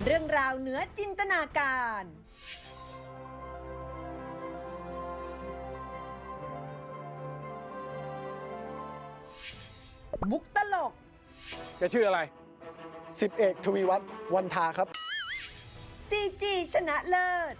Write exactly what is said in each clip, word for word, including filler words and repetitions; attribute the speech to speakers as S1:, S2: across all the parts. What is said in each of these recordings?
S1: เรื่องราวเหนือจินตนาการ มุกตลก
S2: แกชื่ออะไร สิบเอกทวีวัฒน์วันทาครับ
S1: ซี จี ชนะเลิศ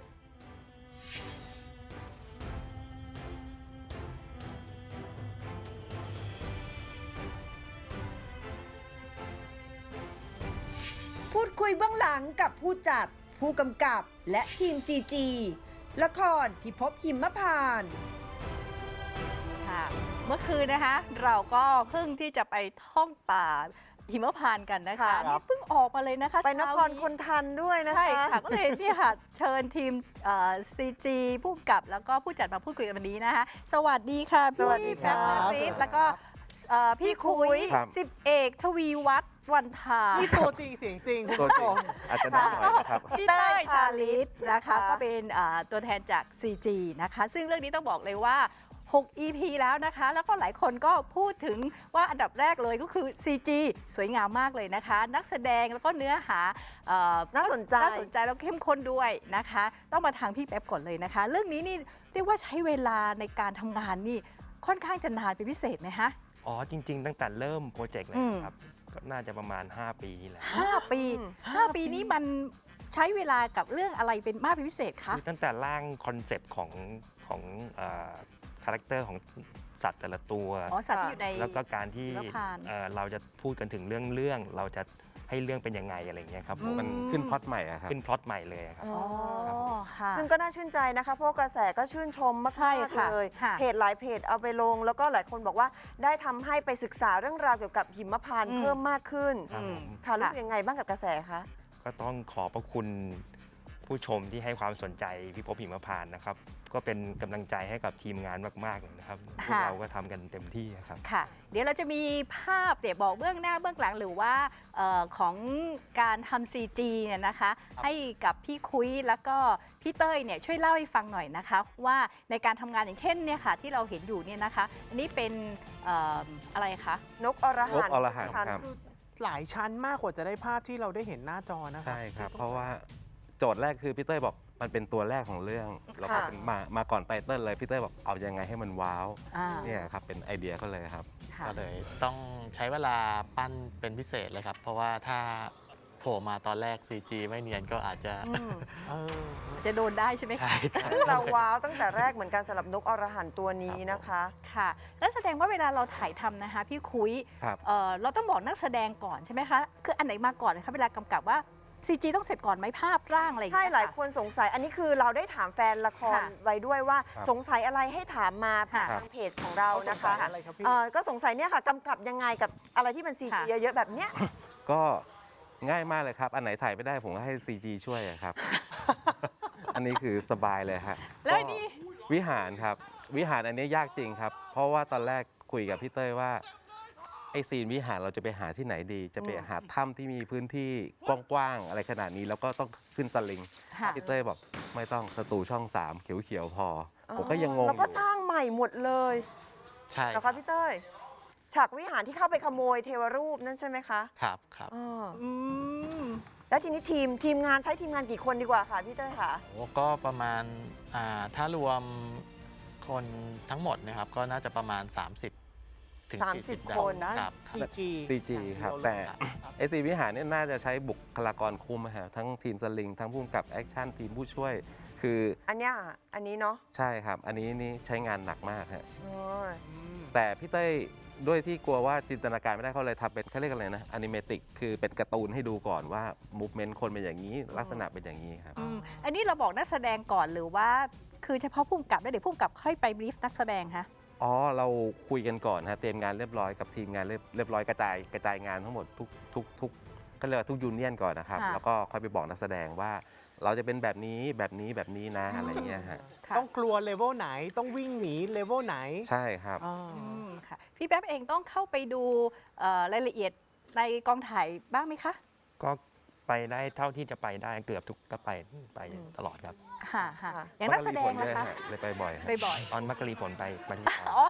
S1: พูดคุยเบื้องหลังกับผู้จัด ผู้กำกับและทีม ซี จี ละครพิภพหิมพานต์
S3: ค่ะเมื่อคืนนะคะเราก็เพิ่งที่จะไปท่องป่าหิมพานต์กันนะคะ
S2: ครับ
S3: นี่เพิ่งออกมาเลยนะคะ
S4: ไปนคร
S3: เช้า
S4: คนทันด้วยนะคะ
S3: ใช่ค่ะก็เลยเนี่ยค่ะเชิญทีมซีจีผู้กำกับแล้วก็ผู้จัดมาพูดคุยกันวันนี้นะคะสวัสดีค่ะพี่
S4: สวัสดีครับ
S3: พี่ฤทธิ์แล้วก็เอ่อพี่คุย
S5: ครับ
S3: สิบเอกทวีวัฒน์วันทา
S2: นี่ตัวจริงเสียงจริงคุณ
S5: ตัว
S2: ผู้
S5: จ
S2: ช
S5: ริง
S2: ม
S5: อาจจะน้อยหน่อยนะครับ
S3: พี่เต้ยชาลิตนะคะ
S4: ค่ะ
S3: ก็เป็นอ่าตัวแทนจาก ซี จี นะคะซึ่งเรื่องนี้ต้องบอกเลยว่าหก อี พี แล้วนะคะ แล้วก็หลายคนก็พูดถึงว่าอันดับแรกเลยก็คือ ซี จี สวยงามมากเลยนะคะ นักแสดงแล้วก็เนื้อหาเอ่อ
S4: น่าสนใจ
S3: น่าสนใจแล้วเข้มข้นด้วยนะคะ ต้องมาทางพี่แป๊บก่อนเลยนะคะ เรื่องนี้นี่เรียกว่าใช้เวลาในการทำงานนี่ค่อนข้างจะนานเป็นพิเศษไหมคะ
S6: อ๋อจริง ๆ ตั้งแต่เริ่มโปรเจกต์เลย
S3: อืม
S6: ครับก็น่าจะประมาณ ห้า ปีแหละ
S3: ห้าปีห้าปีนี้มันใช้เวลากับเรื่องอะไรเป็นมากเป็นพิเศษคะ
S6: คือตั้งแต่ร่างคอนเซปต์ของของคาแรคเตอร์ของสัตว์แต่ละตัว
S3: อ๋อสัตว์ที่อยู่ใน
S6: แล้วก็การที่
S3: หิมพานต์
S6: เอ่อเราจะพูดกันถึงเรื่องเรื่องเราจะให้เรื่องเป็นยังไงอะไรอย่างเงี้ยครับผม
S3: อื
S5: มันขึ้นพล็อตใหม่อะครับ
S6: ขึ้นพล็อตใหม่เลยครับ
S3: อ๋อค่ะ
S4: ซึ่งก็น่าชื่นใจนะคะ เพราะกระแสก็ชื่นชมม
S3: ใช่
S4: าก
S3: ค่ะ
S4: ๆเลย
S3: ค่ะ
S4: เพจหลายเพจเอาไปลง แล้วก็หลายคนบอกว่าได้ทำให้ไปศึกษาเรื่องราวเกี่ยวกับหิมพานต์
S3: อืม
S4: เพิ่มมากขึ้น
S6: ครับผม
S4: ค่ะรู้สึกยังไงบ้างกับกระแสคะ
S6: ก็ต้องขอบพระคุณผู้ชมที่ให้ความสนใจพิภพหิมพานต์นะครับ ก็เป็นกำลังใจให้กับทีมงานมากๆเลยนะครับพวกเราก็ทำกันเต็มที่ครับ
S3: ค่ะ เดี๋ยวเราจะมีภาพเดี๋ยวบอกเบื้องหน้าเบื้องหลังหรือว่าเออของการทำ ซี จี เนี่ยนะคะ ให้กับพี่คุยแล้วก็พี่เต้ยเนี่ยช่วยเล่าให้ฟังหน่อยนะคะ ว่าในการทำงานอย่างเช่นเนี่ยค่ะที่เราเห็นอยู่เนี่ยนะคะ อันนี้เป็นเอ่ออะไรคะ
S4: นกอรหันต์
S5: นกอรหันต์
S4: พันธุ์
S5: ครับ
S2: หลายชั้นมากกว่าจะได้ภาพที่เราได้เห็นหน้าจอนะครั
S5: ใช่ครับ เพราะว่าโจทย์แรกคือพี่เต้ยบอกมันเป็นตัวแรกของเรื่องแล้วก็
S4: ค่ะ
S5: เป็นมามาก่อนไตเติ้ลเลยพี่เต้ยบอกเอายังไงให้มันว้าว
S3: อ่า
S5: เนี่ยครับเป็นไอเดียเขาเลยครับ
S3: ค่ะ
S7: ก็เลยต้องใช้เวลาปั้นเป็นพิเศษเลยครับ เพราะว่าถ้าโผล่มาตอนแรก ซี จี ไม่เนียนก็อาจจะ
S4: อืม
S2: เออ
S3: จะโดนได้ใช่ไหมคะ
S7: ใช่ครับ
S4: ซึ่งเราว้าวตั้งแต่แรกเหมือนกันสำหรับนกอรหันต์ตัวนี้นะคะ
S3: ค่ะแล้วแสดงว่าเวลาเราถ่ายทำนะคะพี่คุย
S5: ครับ
S3: เอ่อเราต้องบอกนักแสดงก่อนใช่ไหมคะคืออันไหนมาก่อนนะคะเวลากำกับว่า ซี จี ต้องเสร็จก่อนไหมภาพร่างอะไรอย่าง
S4: ใช่
S3: เงี้ย
S4: หลาย
S3: ค่ะ
S4: คนสงสัยอันนี้คือเราได้ถามแฟนละคร
S3: ค่ะ
S4: ไว้ด้วยว่า
S5: ครับ
S4: สงสัยอะไรให้ถามมาผ่าน
S3: ค่ะ
S4: ทางเพจของเรานะคะ
S2: เขาสงสัยอะไรครับพี่
S4: เอ่อก็สงสัยเนี่ยค่ะกำกับยังไงกับอะไรที่มันซีจี
S3: ค่ะ
S4: เยอะๆแบบเนี้ย
S5: ก็ง่ายมากเลยครับ อันไหนถ่ายไม่ได้ผมก็ให้ ซี จี ช่วยอะครับ อันนี้คือสบายเลยฮะ
S3: แล้วอันนี้
S5: ก็วิหารครับ วิหารอันนี้ยากจริงครับ เพราะว่าตอนแรกคุยกับพี่เต้ยว่าไอซีนวิหารเราจะไปหาที่ไหนดี จะไปหาถ้ำที่มีพื้นที่กว้างๆอะไรขนาดนี้แล้วก็ต้องขึ้นสลิง
S3: ค่ะ
S5: พี่เต้ยบอกไม่ต้องสตูช่องสามเขียวๆพอ ผมก็ยังงง
S4: แล้ว
S5: อ
S4: ก็
S5: ยู่
S4: สร้างใหม่หมดเลย
S7: ใช่
S4: นะคะพี่เต้ยฉากวิหารที่เข้าไปขโมยเทวรูปนั่นใช่ไหมคะ
S7: ครับครับ
S4: อ๋อ
S3: อืม
S4: แล้วทีนี้ทีมทีมงานใช้ทีมงานกี่คนดีกว่าค่ะพี่เต้ยค่ะ
S7: โอ้ก็ประมาณอ่าถ้ารวมคนทั้งหมดนะครับ ก็น่าจะประมาณ สามสิบ ถึง
S4: สามสิบ
S7: สี่สิบ
S4: คน
S7: ได้
S2: นะ
S7: ครับ
S2: ซี จี
S5: ซี จี ครับ แต่ ไอซีวิหารเนี่ยน่าจะใช้บุคลากรคุมอะฮะทั้งทีมสลิง ทั้งผู้กำกับแอคชั่นทีมผู้ช่วย คือ
S4: อันเนี้ยอันนี้เนาะ
S5: ใช่ครับ อันนี้นี่ใช้งานหนักมากฮะ
S4: อ๋อ
S5: แต่พี่เต้ยด้วยที่กลัวว่าจินตนาการไม่ได้เขาเลยทำเป็นเขาเรียกอะไรนะอนิเมติกคือเป็นการ์ตูนให้ดูก่อนว่ามูฟเมนต์คนเป็นอย่างนี้ ลักษณะเป็นอย่างนี้ครับ
S3: อืมอันนี้เราบอกนักแสดงก่อนหรือว่า คือเฉพาะผู้กำกับแล้วเดี๋ยวผู้กำกับค่อยไปบรีฟนักแสดงคะ
S5: อ๋อ เราคุยกันก่อนฮะเตรียมงานเรียบร้อยกับทีมงานเรียบเรียบร้อยกระจายกระจายงานทั้งหมดทุกทุกทุกก็เรียกว่าทุกยูเนียนก่อนนะครับ
S3: ค่ะ
S5: แล้วก็ค่อยไปบอกนักแสดงว่า เราจะเป็นแบบนี้แบบนี้แบบนี้นะอะไรเงี้ยฮะ
S3: ค่ะ
S2: ต้องกลัวเลเวลไหนต้องวิ่งหนีเลเวลไหน
S5: ใช่ครับ
S2: อ่า
S3: อืมค่ะพี่แป๊บเองต้องเข้าไปดูเอ่อรายละเอียดในกองถ่ายบ้างไหมคะ
S6: ก็ไปได้เท่าที่จะไปได้เกือบทุกก็ไปไปตลอดครับ
S3: ค่ะค่ะ
S4: ค่ะ
S3: อย่างนักแสดง
S5: มั
S3: นะคะ
S5: เลยฮเลยไปบ่อยฮะ
S3: ไปบ่อย
S6: ตอนมักกะลีผลไปไปที่
S3: อ๋อมักกะลี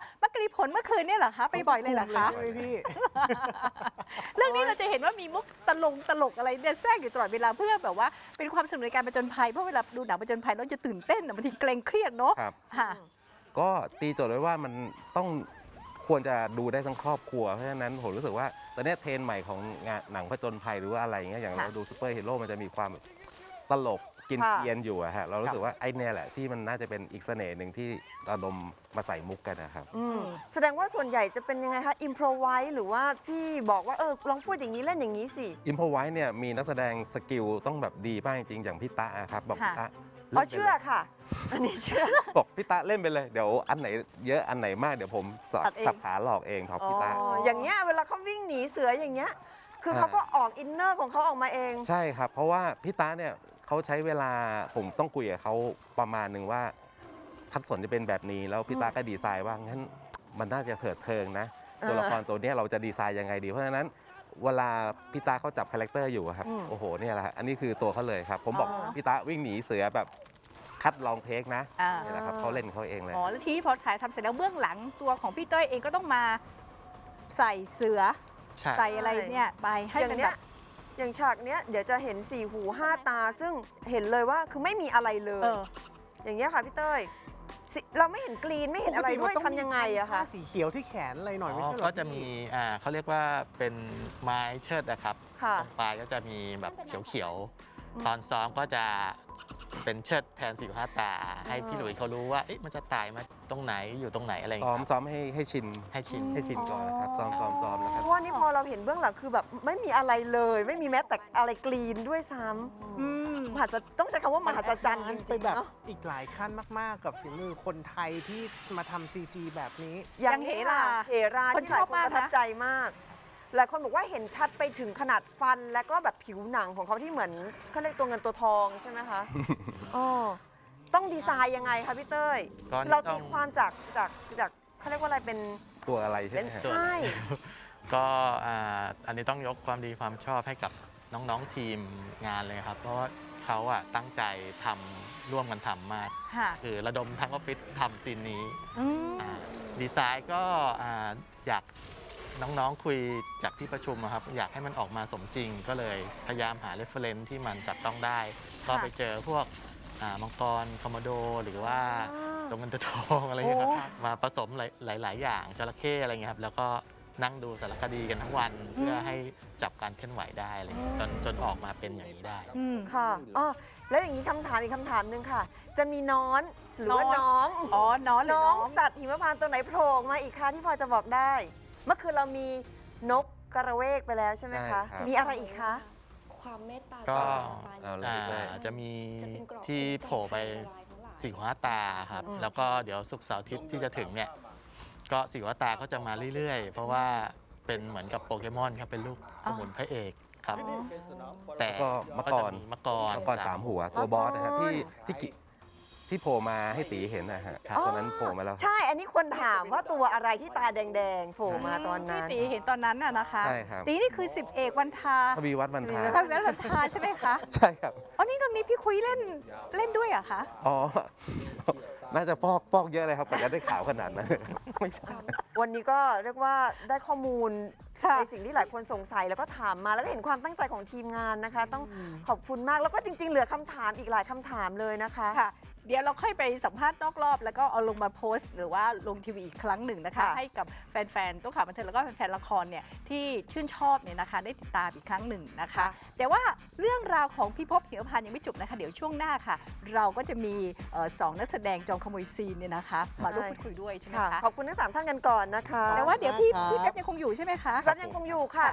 S3: มีผลเมื่อคืนเนี่ยเหรอคะ ไปบ่อยเลยเหรอคะ
S2: ใช่ไหมพี่
S3: เรื่องนี้เราจะเห็นว่ามีมุกตลงตลกอะไรเนี่ยแทรกอยู่ตลอดเวลาเพื่อแบบว่าเป็นความสนุกในการผจญภัยเพราะเวลาดูหนังผจญภัยเราจะตื่นเต้นอะบางทีเกรงเครียดเนาะ
S5: ครับ
S3: ค่ะ
S5: ก็ตีโจทย์ไว้ว่ามันต้องควรจะดูได้ทั้งครอบครัว เพราะฉะนั้นผมรู้สึกว่าตอนนี้เทรนด์ใหม่ของงานหนังผจญภัยหรือว่าอะไรอย่างเงี้ยอย่าง
S3: ค่ะ
S5: เราดูซูเปอร์ฮีโร่มันจะมีความแบบตลกกิน
S4: ค่ะ
S5: เกรียนอยู่อะฮะเรารู้สึกว่าไอ้เนี่ยแหละที่มันน่าจะเป็นอีกเสน่ห์หนึ่งที่ระดมมาใส่มุกกันนะครับ
S4: อืมแสดงว่าส่วนใหญ่จะเป็นยังไงคะอิมพรไวส์หรือว่าพี่บอกว่าเออลองพูดอย่างนี้เล่นอย่างนี้สิ
S5: อิมพอไว้เนี่ยมีนักแสดงสกิลต้องแบบดีมากจริงๆอย่างพี่ตะอะครับบอก
S3: ค่ะ
S5: พี่ตะ
S4: อ๋อ
S5: ล่นไปลย
S4: เชื่อค่ะ อันนี้เชื่อ
S5: บอกพี่ตะเล่นไปเลยเดี๋ยวอันไหนเยอะอันไหนมากเดี๋ยวผมสอด
S3: ตัดเอง
S5: สับขาหลอกเองครับ
S4: อ๋อ
S5: พี่ตะ
S4: อย่างเงี้ยเวลาเขาวิ่งหนีเสืออย่างเงี้ย คือ
S5: อ่า
S4: เขาก็ออกอินเนอร์ของเขาออกมาเอง
S5: ใช่ครับ เพราะว่าพี่ตาเนี่ยเขาใช้เวลาผมต้องคุยกับเขาประมาณหนึ่งว่าพัดสนจะเป็นแบบนี้ แล้วพี่ตาก็ดีไซน์ว่างั้นมันน่าจะเถิดเทิงนะ
S4: อ่า
S5: ตัวละครตัวเนี้ยเราจะดีไซน์ยังไงดี เพราะฉะนั้นเวลาพี่ตาเขาจับคาแรคเตอร์อยู่อะครับ
S4: อืม
S5: โอ้โหเนี่ยแหละฮะอันนี้คือตัวเขาเลยครับ ผมบอก
S4: อ๋อ
S5: พี่ตาวิ่งหนีเสือแบบคัดลองเทคนะ
S3: อ่า
S5: นี่แหละครับเขาเล่นเขาเองเลย
S3: อ๋อแล้วทีนี้พอถ่ายทำเสร็จแล้วเบื้องหลังตัวของพี่เต้ยเองก็ต้องมาใส่เสือ
S7: ใช่
S3: ใส่อะไรเนี่ยไปให้
S4: อย่าง
S3: เป็น
S4: เนี้
S3: แบ
S4: ย
S3: บ
S4: อย่างฉากเนี้ยเดี๋ยวจะเห็นสี่หูห้าตา ซึ่งเห็นเลยว่าคือไม่มีอะไรเล
S3: เอย อ
S4: อย่างเงี้ยค่ะพี่เต้ยสิเราไม่เห็นกรีนไม่เห็นอะไรด้วยทำยังไงอะคะ
S2: ผ้าสีเขียวที่แขนอะไรหน่อยไม่
S7: อ๋อ
S2: ใช่เหรอ
S7: ก็จะมีอ่าเขาเรียกว่าเป็นไม้เชิดนะครับ
S4: ค่ะ
S7: ตรงปลายก็จะมีแบบเขียวๆ ตอนซ้อมก็จะเป็นเชิดแทนสี่ห้าตา ให้พี่หลุยเขารู้ว่าเอ๊ะมันจะตายมาตรงไหนอยู่ตรงไหนอะไรอย่าง
S5: ซ้อม
S7: เงี้ยครับ
S5: ซ้อมให้ให้ชิน
S7: ให้ชิน
S5: ให้ชินก่อนนะครับซ้อมซ้อมซ้อมแล้วครับ
S4: เพราะว่านี่พอเราเห็นเบื้องหลังคือแบบไม่มีอะไรเลย ไม่มีแม้แต่อะไรกรีนด้วยซ้ำ
S3: อืม
S4: มหัศต้องใช้คำว่ามหัศจรรย์จ
S2: มัน
S4: ริ
S2: ไป
S4: งๆ
S2: แบบ
S4: เนาะ
S2: อีกหลายขั้นมาก ๆ กับฝีมือคนไทยที่มาทำซีจีแบบนี้
S3: อย่างเหรา
S4: เหรา
S3: คน
S4: ที่หลาย
S3: ชอบ
S4: คน
S3: มาก
S4: ประทับ
S3: นะ
S4: ใจมาก หลายคนบอกว่าเห็นชัดไปถึงขนาดฟันและก็แบบผิวหนังของเขาที่เหมือนเขาเรียกตัวเงินตัวทองใช่ไหมคะอ๋อต้องดีไซน์ยังไงคะพี่เต้ย
S7: ก็
S4: เรา
S7: ต้
S4: ตี
S7: อง
S4: ความจากจากจากเขาเรียกว่าอะไรเป็น
S5: ตัวอะไรใช่
S4: เป็
S5: ไห
S4: น
S5: มฮะ
S4: ใช่
S7: ก็อ่าอันนี้ต้องยกความดีความชอบให้กับน้องๆทีมงานเลยครับ เพราะว่าเขาอะตั้งใจทำร่วมกันทำมาก
S3: ค่ะ
S7: คือระดมทั้งออฟฟิศทำซีนนี้
S3: อืม
S7: อ่าดีไซน์ก็อ่าอยากน้องๆคุยจากที่ประชุมอะครับ อยากให้มันออกมาสมจริง ก็เลยพยายามหาเรฟเฟรนซ์ที่มันจับต้องได้ ก็ไปเจอพวกอ่ามังกรคอมโมโด หรือว่า
S4: อ่า
S7: ตัวเงินตัวทองอะไรอย่างเงี้ยครับ
S4: โอ้
S7: มาผสมหลาย ๆ อย่างจระเข้อะไรเงี้ยครับ แล้วก็นั่งดูสารคดีกันทั้งวัน เพื่อให้จับการเคลื่อนไหวได้อะไรเงี้ยจนจนออกมาเป็นอย่างนี้ได้
S3: อืม
S4: ค่ะอ๋อแล้วอย่างนี้คำถามอีกคำถามหนึ่งค่ะ จะมีน้อนหรือว่า
S3: น้
S4: น้
S3: อ
S4: อน ง
S3: อ๋อ น้อนหรือ
S4: น้
S3: น้
S4: อ
S3: อง ง
S4: สัตว์หิมพานต์ตัวไหนโผล่ออกมาอีกคะที่พอจะบอกได้ เมื่อคืนเรามีนกกระเวกไปแล้วใช่ไหม
S5: ใช่
S4: คะ
S5: ครับ
S4: มีอะไรอีกคะ
S8: ความเมตตา
S7: ก็
S5: เอาเลย
S7: อ่า
S5: ได้
S7: จะมี
S8: จะเป็นเกราะ
S7: ที่โผล่ไปสี่หัวตาครับ
S4: อืม
S7: แล้วก็เดี๋ยวสุกร์เสาร์อาทิตย์ที่จะถึงเนี่ย ก็สี่หัวตาก็จะมาเรื่อย ๆ เพราะว่าเป็นเหมือนกับโปเกมอนครับ เป็นลูกสมุนพระเอกครับ แต่
S5: ก็มะกร
S7: จะมีมะกร
S5: มังกรสามหัวตัวบอสนะฮะที่ที่กิที่โผล่มาให้ตีเห็นนะฮะ
S7: ครับ
S5: ตัวนั้นโผล่มาแล้ว
S4: ใช่ อันนี้คนถามว่าตัวอะไรที่ตาแดงๆโผล่มาตอนนั้น
S3: ที่ตีเห็นตอนนั้นน่ะนะคะ
S5: ใช่ครับ
S3: ตีนี่คือสิบเอกวันทา
S5: ทวีวัฒน์บรรทา
S3: ทวีวัฒน์วันทาใช่ไหมคะ
S5: ใช่ครับ
S3: อ๋อ นี่ตรงนี้พี่คุยเล่นเล่นด้วยเหรอะคะ
S5: อ๋อ น่าจะฟอกฟอกเยอะเลยครับกว่าจะได้ข่าวขนาดนั้น ไม่ใช่
S4: วันนี้ก็เรียกว่าได้ข้อมูล
S3: ค่ะ
S4: ในสิ่งที่หลายคนสงสัยแล้วก็ถามมาแล้วก็เห็นความตั้งใจของทีมงานนะคะ ต้องขอบคุณมากแล้วก็จริง ๆ เหลือคำถามอีกหลายคำถามเลยนะคะ
S3: ค่ะ เดี๋ยวเราค่อยไปสัมภาษณ์นอกรอบ แล้วก็เอาลงมาโพสต์ หรือว่าลงทีวีอีกครั้งหนึ่งนะคะ
S4: ค่ะ
S3: ให้กับแฟนๆตัวข่าวบันเทิงแล้วก็แฟนๆละครเนี่ยที่ชื่นชอบเนี่ยนะคะ ได้ติดตามอีกครั้งหนึ่งนะคะ แต่ว่าเรื่องราวของพี่ภพหิมพานต์ยังไม่จบนะคะ เดี๋ยวช่วงหน้าค่ะ เราก็จะมีเอ่อสองนักแสดงจองขโมยซีนเนี่ยนะคะ มาร่วมพูดคุยด้วยใช่ไหม
S4: ค่ะ
S3: คะ
S4: ขอบคุณทั้งสามท่านกันก่อนนะคะ
S3: แต่ว่าเดี๋ยวพี่
S2: ครับ
S3: พี่แป๊บยังคงอยู่ใช่ไหมคะ
S4: แป๊บยังคงอยู่ค่ะ